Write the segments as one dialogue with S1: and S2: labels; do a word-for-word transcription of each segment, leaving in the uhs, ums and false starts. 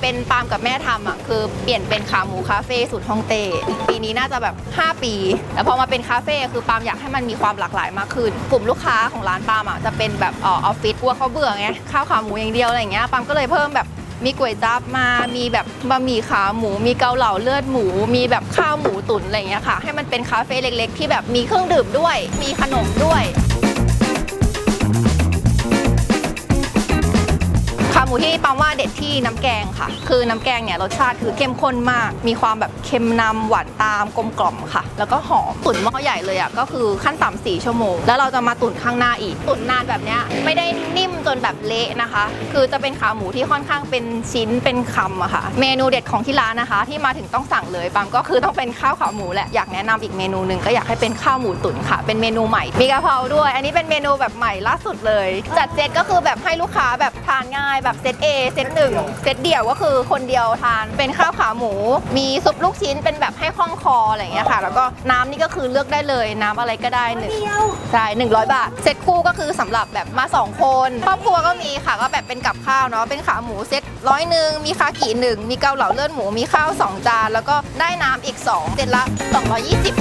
S1: เป็นปาล์มกับแม่ทำอ่ะคือเปลี่ยนเป็นขาหมูคาเฟ่สูตรฮ่องเต้ปีนี้น่าจะแบบห้าปีแล้วพอมาเป็นคาเฟ่คือปาล์มอยากให้มันมีความหลากหลายมากขึ้นกลุ่มลูกค้าของร้านปาล์มอ่ะจะเป็นแบบออฟฟิศกลัวเขาเบื่อไงข้าวขาหมูอย่างเดียวอะไรอย่างเงี้ยปาล์มก็เลยเพิ่มแบบมีก๋วยจั๊บมามีแบบบะหมี่ขาหมูมีเกาเหลาเลือดหมูมีแบบข้าวหมูตุ๋นอะไรอย่างเงี้ยค่ะให้มันเป็นคาเฟ่เล็กๆที่แบบมีเครื่องดื่มด้วยมีขนมด้วยขาหมูที่ปาล์มว่าเด็ดที่น้ำแกงค่ะคือน้ำแกงเนี่ยรสชาติคือเข้มข้นมากมีความแบบเค็มนำหวานตามกลมกล่อมค่ะแล้วก็หอมตุ๋นหม้อใหญ่เลยอ่ะก็คือขั้นต่ำสี่ชั่วโมงแล้วเราจะมาตุ๋นข้างหน้าอีกตุ๋นนานแบบเนี้ยไม่ได้นิ่มจนแบบเละนะคะคือจะเป็นขาหมูที่ค่อนข้างเป็นชิ้นเป็นคำอะค่ะเมนูเด็ดของที่ร้านนะคะที่มาถึงต้องสั่งเลยปาล์มก็คือต้องเป็นข้าวขาหมูแหละอยากแนะนำอีกเมนูหนึ่งก็อยากให้เป็นข้าวหมูตุ๋นค่ะเป็นเมนูใหม่มีกะเพราด้วยอันนี้เป็นเมนูแบบใหม่ล่าสุดเลยจัดเซตก็คือแบบให้ลูกค้าแบบทานง่ายแบบเซต A เซตหนึ่งเซตเดี่ยวก็คือคนเดียวทานเป็นข้าวขาหมูมีซุปลูกชิ้นเป็นแบบให้คล่องคออะไรอย่างเงี้ยค่ะแล้วก็น้ำนี่ก็คือเลือกได้เลยน้ำอะไรก็ได้หนึ่งใช่หนึ่งร้อยบาทเซตคู่ก็คือสำหรับแบบมาสองคนครอบครัวก็มีค่ะก็แบบเป็นกับข้าวเนาะเป็นขาหมูเซตร้อยหนึ่งมีคากิหนึ่งมีเกาเหลาเลือดหมูมีข้าวสองจานแล้วก็ได้น้ำอีกสองเซตละสองร้อยยี่สิบ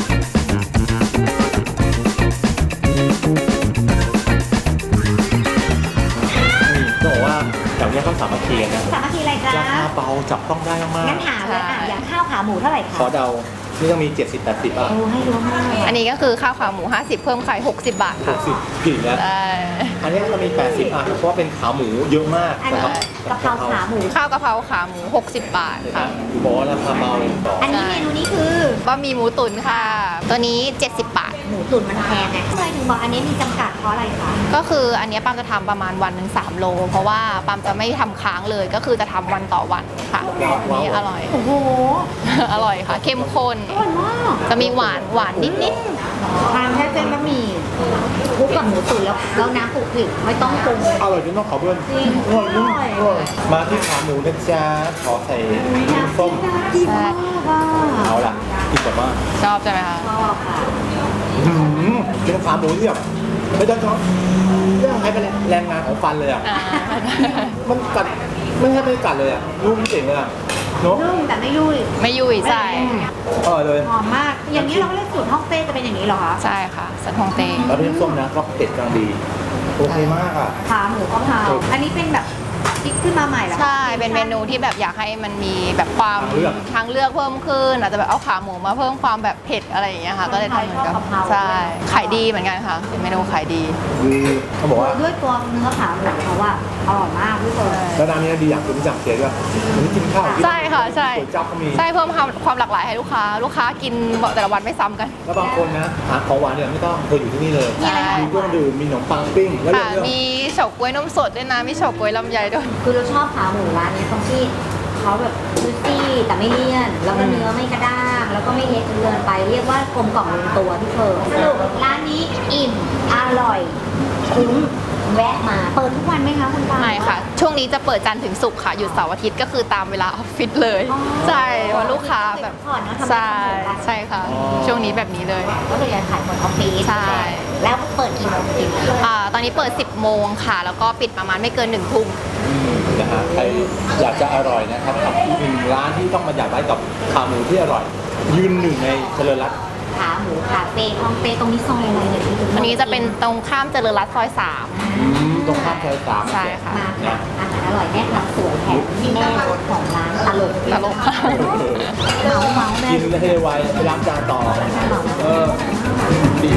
S2: บอกว่าแบบนี้เขาสามัคคีกันนะ
S3: สามัคคีอะไรจ๊ะ
S2: ราคาเบาจับต้องได้มากๆ
S3: งั้นถามเลยอ่ะอย่างข้าวขาหมูเท่าไหร่คะ
S2: ขอเดานี่ต้องมีเจ็ดสิบ แปดสิบอ่ะ
S3: โอ้ให้รู้มาก
S1: อันนี้ก็คือข้าวขาหมูห้าสิบเพิ่มไข่หกสิบบาท
S2: ห
S1: ค่ะ
S2: กสิบผิดแล้ว
S1: ใช่
S2: อันนี้ก็มีแปดสิบอ่ะเพราะว่าเป็นขาหมูเยอะมาก
S3: อันนี้กะเพราขาหมู
S1: ข้าวกะเพราขาหมูหกสิบบาทค่ะ
S2: บอกว่าราคาเบาเลยต่อ
S3: อันนี้เมนูนี้คือบ
S1: ะหมี่หมูตุ๋นค่ะ ตัวนี้เจ็ดสิบบาท
S3: หมูตุ๋นมันแพงไงทำไมถึงบอกอันนี้มีจำกัดเพราะอะไรคะ
S1: ก็คืออันนี้ปาล์มจะทำประมาณวันหนึ่งสามโลเพราะว่าปาล์มจะไม่ทำค้างเลยก็คือจะทำวันต่อวันค่ะอันนี้อร่อย
S3: โอ้โห
S1: อร่อยค่ะ เข้มข้น
S3: อร่อยมาก
S1: จะมีหวานหวานนิดนิด
S3: ทานแค่เส้นบะหมี่คลุกกับหมูตุ๋นแล้วแล้วน้ำคลุกคลิกไม่ต้องปรุง
S2: อร่อยจนต้องขอเพื่อน
S3: จริง
S2: อร่อยจริง
S3: อร่อย
S2: อร่อยมาที่ขาหมูนะจ๊ะขอใส่น้ำส้ม
S3: ดีมากอ่ะ
S2: เอาล่ะกินแบบว่า
S1: ชอบใช่ไหมคะ
S3: ชอบค่ะ
S2: อื้อหือเป็นขาหมูที่แบบไม่ต้องชอบเรื่องให้เป็นแรงงานของฟันเลยอ่ะ
S1: อ่า
S2: มันกัดไม่ให้ไม่กัดเลยอ่ะนุ่มเจ๋งเลยอ่ะเนาะ
S3: นุ่มแต่ไม่ยุ่ย
S1: ไม่ยุ่ยใช่
S2: อร่อยเลย
S3: หอมมาก อย่างนี้เราก็เรียกสูตรฮ่องเต้จะเป็นอย่างนี้เหรอคะ
S1: ใช่ค่ะสันฮงเต้
S2: แล้วเป็นส้มนะก็เผ็ดกำลังดีโอเคมากอ่ะ
S3: ขาหมูกะเพราอันนี้เป็นแบบคิดขึ้นมาใหม่แล้ว
S1: ใช่เป็นเมนูที่แบบอยากให้มันมีแบบความทางเลือกเพิ่มขึ้นอาจจะแบบเอาขาหมูมาเพิ่มความแบบเผ็ดอะไรอย่างเงี้ยค่ะก็เลยทำเหมือนกันใช่ขายดีเหมือนกันค่ะเป็นเมนูขายดี
S2: คือเขาบอกว่า
S3: ด้วยตัวเนื้อขาหมูเขาว่าอร่อยมากพี่เฟิร์น
S2: แล้วร้านนี้ดีอย่างคุณจับเสียด้วยวันนี้กินข้าว
S1: ใช่ค่ะใช่
S2: ก๋วยจั๊บก็มี
S1: ใช่เพิ่มความความหลากหลายให้ลูกค้า ลูกค้ากินแต่ละวันไม่ซ้ำกัน
S2: แล้วบางคนนะหาของหวานเนี่ยไม่ต้องเธออยู่ที่นี่เลย
S1: ใช่
S2: มีเครื่องดื่มมีขนมปังปิ้งแล้ว
S1: ค่ะ
S2: เรื่อง
S1: มีเฉาก๊วยนมสดด้วยนะมีเฉาก๊วยลำไยด้วย
S3: คือเราชอบขาหมูร้านนี้ตรงที่เขาแบบจุยซี่แต่ไม่เลี่ยน แล้วก็เนื้อไม่กระด้างแล้วก็ไม่เละจนเกินไปเรียกว่ากลมกล่อมลงตัวพี่เฟิร์นสรุปร้านนี้อิ่มอร่อยคุ้มแวะมาเปิดทุกวันไหมคะคุณปา
S1: ไม่ค่ะ ช่วงนี้จะเปิดจันทร์ถึงศุกร์ค่ะหยุดเสาร์อาทิตย์ก็คือตามเวลาออฟฟิศเลยใช่เพราะลูกค้าแบบ
S3: ผ่อนนะทำ
S1: ใช่ใช่ค่ะ ช่วงนี้แบบนี้เลย
S3: ก็เลยขายหมดออฟฟิศ
S1: ใช่
S3: แล้วเปิดกี่โมงกี่โมง
S1: อ่าตอนนี้เปิดสิบโมงค่ะ แล้วก็ปิดประมาณไม่เกินหนึ่งทุ่ม
S2: นะฮะใครอยากจะอร่อยนะครับกับอีกหนึ่งร้านที่ต้องมาอยากได้กับขาหมูที่อร่อย ยืนหนึ่งในเจริญรัตน์
S3: ขาหมูคาเฟ่ฮ่องเต้ตรงนี้ซอยอะไรเนี่ยพี่ถึง
S1: อันนี้จะเป็นตรงข้ามเจริญรัตน์ซอยสาม
S2: อืมตรงข้ามซอยสาม
S1: ใช่ค่ะ
S3: มาค่ะอาหารอร่อยแม่ทำสวยแถมแม่รถของร้านตลก
S1: ตลกค่ะ
S3: เมาเมาแม่
S2: กินให้ไวไปล้างจานต่อเออดี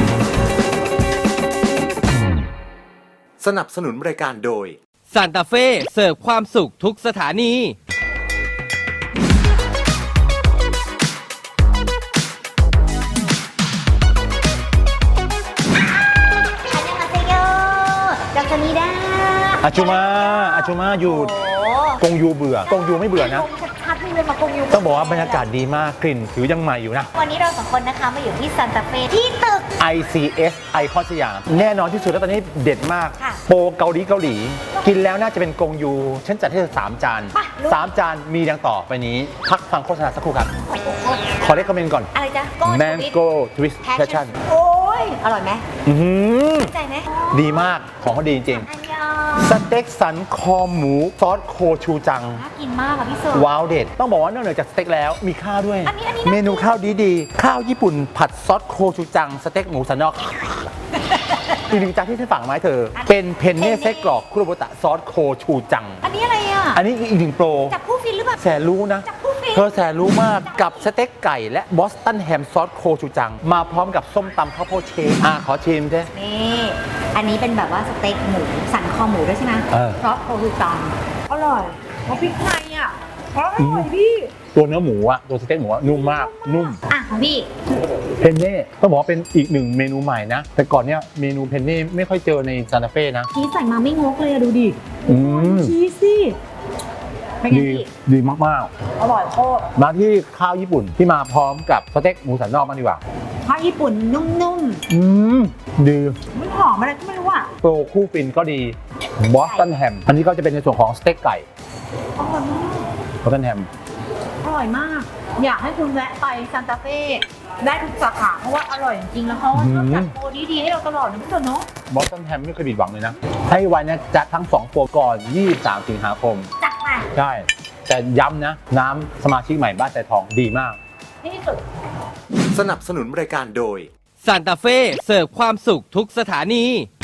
S4: สนับสนุนรายการโดย
S5: ซานตาเฟ่เสิร์ฟความสุขทุกสถานี
S3: อันยังมาเซโยจากสนีดา
S2: อาชูมาอาชูมาอยู่
S3: โอ้
S2: กงยูเบื่อกงยูไม่เบื่อนะ
S3: ชัดๆนี่เลยมากงยู
S2: ต้องบอกว่าบรรยากาศดีมากกลิ่นผิวยังใหม่อยู่นะ
S3: วันนี้เราสองคนนะคะมาอยู่ที่ซานตาเฟ่ที่ตึก
S2: ไอ ซี เอส ไอคอนสยามแน่นอนที่สุดแล้วตอนนี้เด็ดมาก
S3: ค่ะ
S2: โปรเกาหลีเกาหลี กินแล้วน่าจะเป็นกงยู ฉันจัดให้เธอสามจาน
S3: ไปลุย
S2: สามจานมีดังต่อไปนี้ พักฟังโฆษณาสักครู่ครับ ขอเรียกคอมเมนต์ก่อน
S3: อะไรจ๊ะ
S2: Mango Twist Passion
S3: โอ้ยอร่อยไหม
S2: อื้อหือ
S3: เข้าใจไหม
S2: ดีมากของเขาดีจริง
S3: อันยอง
S2: สเต็กสันคอหมูซอสโคชูจัง
S3: น่ากินมากอะพี่เสิร์ฟ
S2: ว้าวเด็ดต้องบอกว่านอกเหนือจากสเต็กแล้วมีข้าวด้วย
S3: อันนี้อันนี้น่ากิน
S2: เมนูข้าวดีๆ ข้าวญี่ปุ่นผัดซอสโคชูจัง สเต็กหมูสันนอก อีกหนึ่งจานที่ฉันฝากมาให้เธอ เป็นเพนเน่ไส้กรอกคุโรบุตะซอสโคชูจัง
S3: อันนี้อะไรอ่ะ
S2: อันนี้อีกหนึ่งโปร
S3: จับผู้ฟินหรือเปล่า
S2: แสนรู้นะ
S3: จับผู้ฟิน
S2: เธอแสนรู้มากกับสเต็กไก่และบอสตันแฮมซอสโคชูจัง มาพร้อมกับส้มตำข้าวโพดเชฟอ่ะขอชิมใช่
S3: นี่อันนี้เป็นแบบว่าสเต็กหมูสันคอหมูด้วยใช่ไหม
S2: เออ
S3: เพราะโคคือตังอร่อยเพราะพริกไทยอ่ะอร่อยพี่
S2: ตัวเนื้อหมูอะตัวสเต็กหมูอะนุ่มมากนุ่ม
S3: อ่ะของพี่
S2: เพนเน่ต้องบอกว่าเป็นอีกหนึ่งเมนูใหม่นะ แต่ก่อนเนี้ยเมนูเพนเน่ไม่ค่อยเจอในซานตาเฟ่นะ
S3: ชีสใส่มาไม่งกเลยอะดูดิ
S2: อืม
S3: ชีสสิเป็นไง
S2: ดี
S3: พี่
S2: ดีมาก
S3: อร่อยโคตร
S2: ๆ มาที่ข้าวญี่ปุ่นที่มาพร้อมกับสเต็กหมูสันนอกมางดีกว่า
S3: ข้าวญี่ปุ่นนุ่ม
S2: อืมดี
S3: ๆมันหอมอะไรก็ไม่รู้อ่ะ
S2: โปรคู่ฟินก็ดีบอสตันแฮมอันนี้ก็จะเป็นในส่วนของสเต็กไก่
S3: อร่อยมาก
S2: บอสตันแฮม
S3: อร่อยมาก อยากให้คุณแวะไปซานตาเฟ่ได้ทุกสาขาเพราะว่าอร่อยจริงๆแล้วเขาชอบจัดโปรดีๆให้เราตลอดนะพี่เต๋อเนาะ
S2: บอสตันแฮมไม่เคยผิดหวังเลยนะ ให้วันนี้จัดทั้งสองโปรก่อนยี่สิบสามสิงหาคม
S3: จัดไป
S2: ใช่ แต่ย้ำนะ น้ำสมาชิกใหม่บ้านใจทองดีมาก
S3: ที่สุด
S4: สนับสนุนรายการโดย
S5: ซานตาเฟ่เสิร์ฟความสุขทุกสถานี